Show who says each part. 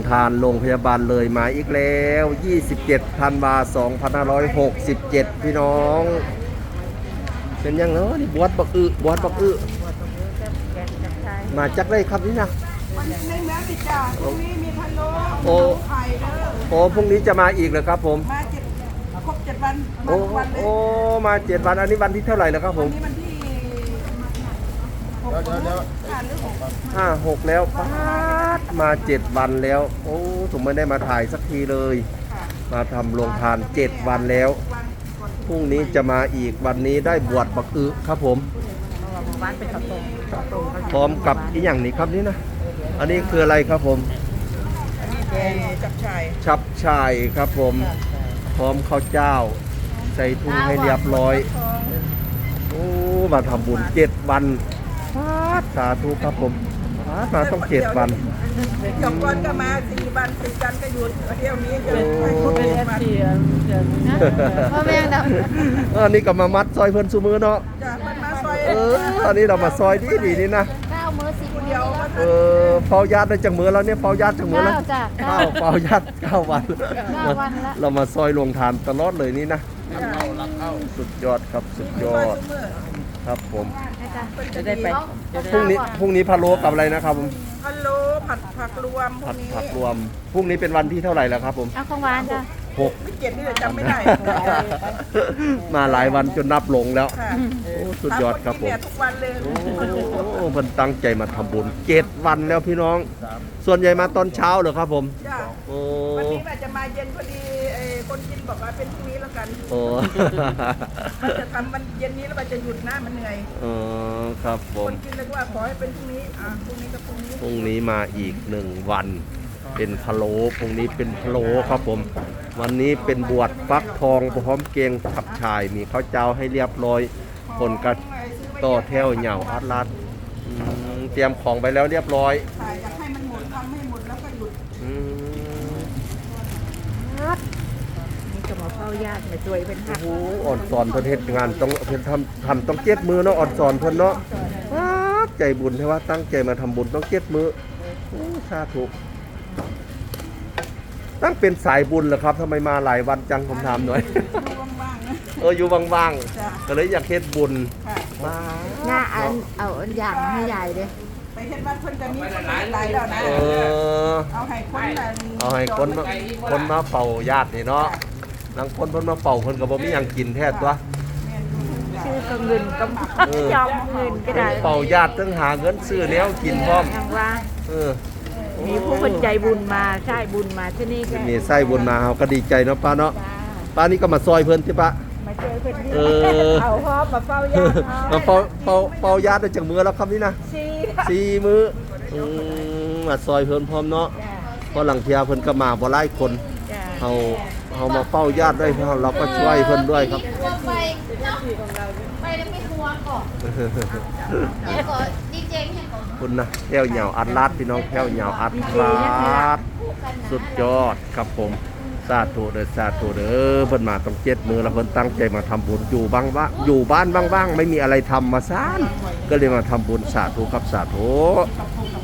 Speaker 1: ทานโรงพยาบาลเลยมาอีกแล้ว27ธันวาคม2567พี่น้องเป็นยังเนาะนี่บวชบักอึมาจากได้ครับนี่นะ
Speaker 2: ในแม่ติดจ่าตรงนี้มีพะโล้
Speaker 1: โอ้
Speaker 2: ไข่เด้อ
Speaker 1: โอ้พรุ่งนี้จะมาอีกเหรอครับผม
Speaker 2: มาครบ7 วันมา
Speaker 1: โอ้
Speaker 2: ทุกวันเลย
Speaker 1: โอ้มา7 วันอันนี้วันที่เท่าไหร่แล้วครับผ
Speaker 2: วั
Speaker 1: ม
Speaker 2: นนี้วันที่
Speaker 1: 5 6แล้วป๊าดมา7 วันแล้วโอ้ผมไม่ได้มาถ่ายสักทีเลย มาทำโรงทาน7 วันแล้วพรุ่งนี้จะมาอีกวันนี้ได้บวชบักอึครับผม
Speaker 2: วันเป็นข้าวต้ม
Speaker 1: พร้อมกับอีกอย่างนี้ครับนี่นะอันนี้คืออะไรครับผม
Speaker 2: อันนี้จับชาย
Speaker 1: ชับชายครับผมพร้อมข้าวเจ้า ใส่ถุงให้เรียบร้อยโอ้มาทำบุญ7 วันสาธุครับผมมาต้อง7 วัน
Speaker 2: สองวันก็มา4 วัน4 วันก็หยุดเที่ยวนี้จะ
Speaker 1: โอ้
Speaker 2: ให้ครบ7 วัน
Speaker 3: พ่อแม่ด
Speaker 1: อันนี้ก็มามัดซอยเพิ่นซุมือเนาะ
Speaker 2: จ้ะมันมาซอย
Speaker 1: อันนี้เรามาซอยดีนี่นะ
Speaker 3: ำ9 มื้อ 10 มื้อ
Speaker 2: เดียวมา
Speaker 1: เฝ้าญาติได้จังมือแล้วเนี่ยเฝ้าญาติจังมือแล้ว
Speaker 3: 9จ้ะ
Speaker 1: เฝ้าญาติ9 วัน
Speaker 3: 9 วันละ
Speaker 1: เรามาซอยลงทานตลอดเลยนี่นะสุดยอดครับสุดยอดครับผม
Speaker 2: จะได้ไป
Speaker 1: พรุ่งนี้พะโล้กับอะไรนะครับผม
Speaker 2: พะโล้ผัดผักรวมพว
Speaker 1: ผั
Speaker 2: ก
Speaker 1: ด
Speaker 2: นี้
Speaker 1: ผักรวมพรุ่งนี้เป็นวันที่เท่าไหร่แล้วครับผม
Speaker 3: เอาของหวานจ้ะ
Speaker 2: ไม่เก็บนี่เลยจำไม่ได้
Speaker 1: 6 มาหลายวันจนนับหลงแล้ว
Speaker 2: ค่ะ
Speaker 1: โอ้สุดยอดครับผม
Speaker 2: ทุกวันเลย
Speaker 1: โอ้เพิ่นตั้งใจมาทำบุญ7 วันแล้วพี่น้อง ส่วนใหญ่มาตอนเช้าเหรอครับผม
Speaker 2: จ้ะ
Speaker 1: โอ้
Speaker 2: วันนี้อาจจะมาเย็นพอดีคนกินบอกว่าเป็นพรุ่งนี้แล้วกัน
Speaker 1: โอ้
Speaker 2: มันจะทำมันเย็นนี้แล้วมันจะหยุดนะมันเหนื่อย
Speaker 1: ครับผ
Speaker 2: ค
Speaker 1: ม
Speaker 2: นกินเลยว่าขอให้เป็นพรุ่งนี้พรุ่งนี้กับพรุ่งนี้
Speaker 1: พรุ่งนี้มาอีก1 วัน เป็นพะโล้พรุ่งนี้เป็นพะโล้ครับผม วันนี้เป็นบวชฟักทองพร้อมเกงขับชายมีข้าวเจ้าให้เรียบร้อยคนก็ต่อแถวเหย่าอัดลัดเตรียมของไปแล้วเรียบร้อย
Speaker 2: อยากให้มันหมดทำให้หมดแล้วก็หยุด
Speaker 1: อืม
Speaker 2: นี่ก็มาเฝ้าญาติมาช่วยเป็น
Speaker 1: โอ้โหอ่อนสอนเพิ่นเฮ็ดงานต้องเพิ่นทำต้อง7 มือเนาะอ่อนสอนเพิ่นเนาะใจบุญใช่ว่าตั้งใจมาทำบุญต้อง7 มือโอ้สาธุตั้งเป็นสายบุญเหรอครับทำไมมาหลายวันจังผมถามหน่อย
Speaker 2: ว่างๆนะ
Speaker 1: อยู่ว่าง
Speaker 2: จ้ะ
Speaker 1: ๆก็เลยอยากเฮ็ดบุญ
Speaker 2: ค่ะ
Speaker 1: มา
Speaker 3: หน้าเอาอันอย่างให้ใหญ่เลย
Speaker 2: ไปเห็นว่าเพิ่นจะมีคนหลายแล้วนะ เอาให้คนนั้น
Speaker 1: เอาให้คนมาเป่าญาตินี่เนาะบางคนเพิ่นมาเป่าเพิ่นก็บ่มีหยังกินแท้ตัว
Speaker 3: ชื่อก็เงินก็ยอมเงินก็ได้
Speaker 1: เป่าญาติต้องหาเงินซื้อแนวกินพร้อม
Speaker 3: อย่างว่า
Speaker 1: เออ
Speaker 3: มีผู้คนใจบุญมาใช่บุญมาที่นี่ก็
Speaker 1: มีไส้บุญมาเฮาก็ดีใจเนาะป้าเนาะป้านี่ก็มาซอยเพิ่นใช่ปะ
Speaker 2: มาเจอเพิ่นที่
Speaker 1: เออ
Speaker 2: เอาพร้อมมาเฝ้าญาติ
Speaker 1: มาเป่าญาติได้จังมือแล้วครับนี่นะ 4 มื้อมาซอยเพิ่นพร้อมเนาะเพราะหลังเที่ยเพิ่นก็มาบ่หลายคนเฮามาเฝ้าญาติด้วยเราก็ช่วยเพิ่นด้วยครับ
Speaker 3: ไปเนาะไปแล้วไม่ทัวร์ก่อนแล้วก็ดีเจเนี่ยก่อน
Speaker 1: คุณนะแก้วเหยาวอัดลาดพี่น้องแก้วเหยาวอัดลาดสุดยอดครับผมสาธุเด้อสาธุเด้อเพิ่นมาต้อง7 มือแล้วเพิ่นตั้งใจมาทำบุญอยู่บ้างว่าอยู่บ้านบ้างๆไม่มีอะไรทำมาซ่านก็เลยมาทำบุญสาธุครับสาธุ
Speaker 2: ขอบคุณ